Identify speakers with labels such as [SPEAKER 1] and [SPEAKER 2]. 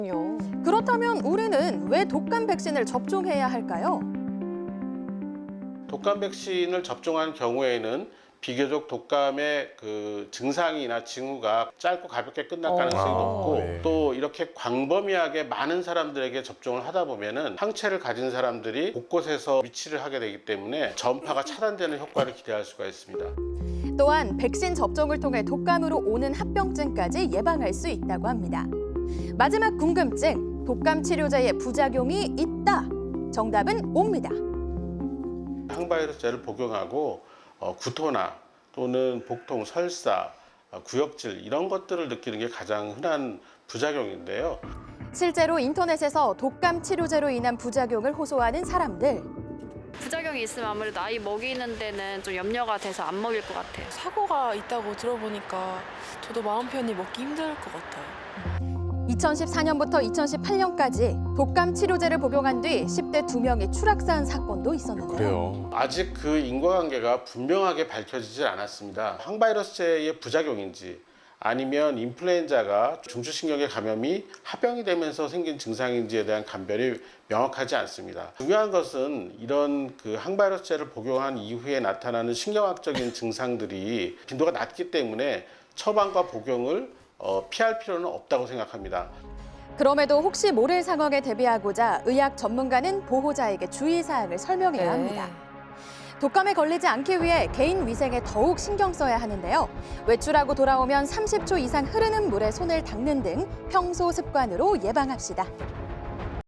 [SPEAKER 1] 그렇다면 우리는 왜 독감 백신을 접종해야 할까요?
[SPEAKER 2] 독감 백신을 접종한 경우에는 비교적 독감의 그 증상이나 징후가 짧고 가볍게 끝날 가능성이 높고
[SPEAKER 3] 네.
[SPEAKER 2] 또 이렇게 광범위하게 많은 사람들에게 접종을 하다 보면은 항체를 가진 사람들이 곳곳에서 위치를 하게 되기 때문에 전파가 차단되는 효과를 기대할 수가 있습니다.
[SPEAKER 1] 또한 백신 접종을 통해 독감으로 오는 합병증까지 예방할 수 있다고 합니다. 마지막 궁금증, 독감 치료제의 부작용이 있다. 정답은 O입니다.
[SPEAKER 2] 항바이러스제를 복용하고 구토나 또는 복통, 설사, 구역질 이런 것들을 느끼는 게 가장 흔한 부작용인데요.
[SPEAKER 1] 실제로 인터넷에서 독감 치료제로 인한 부작용을 호소하는 사람들.
[SPEAKER 4] 부작용이 있으면 아무래도 아이 먹이는 데는 좀 염려가 돼서 안 먹일 것 같아요.
[SPEAKER 5] 사고가 있다고 들어보니까 저도 마음 편히 먹기 힘들 것 같아요.
[SPEAKER 1] 2014년부터 2018년까지 독감 치료제를 복용한 뒤 10대 2명이 추락사한 사건도 있었는데요.
[SPEAKER 3] 그래요.
[SPEAKER 2] 아직 그 인과관계가 분명하게 밝혀지질 않았습니다. 항바이러스제의 부작용인지 아니면 인플루엔자가 중추신경계 감염이 합병이 되면서 생긴 증상인지에 대한 감별이 명확하지 않습니다. 중요한 것은 이런 그 항바이러스제를 복용한 이후에 나타나는 신경학적인 증상들이 빈도가 낮기 때문에 처방과 복용을 피할 필요는 없다고 생각합니다.
[SPEAKER 1] 그럼에도 혹시 모를 상황에 대비하고자 의학 전문가는 보호자에게 주의사항을 설명해야 합니다. 독감에 걸리지 않기 위해 개인 위생에 더욱 신경 써야 하는데요. 외출하고 돌아오면 30초 이상 흐르는 물에 손을 닦는 등 평소 습관으로 예방합시다.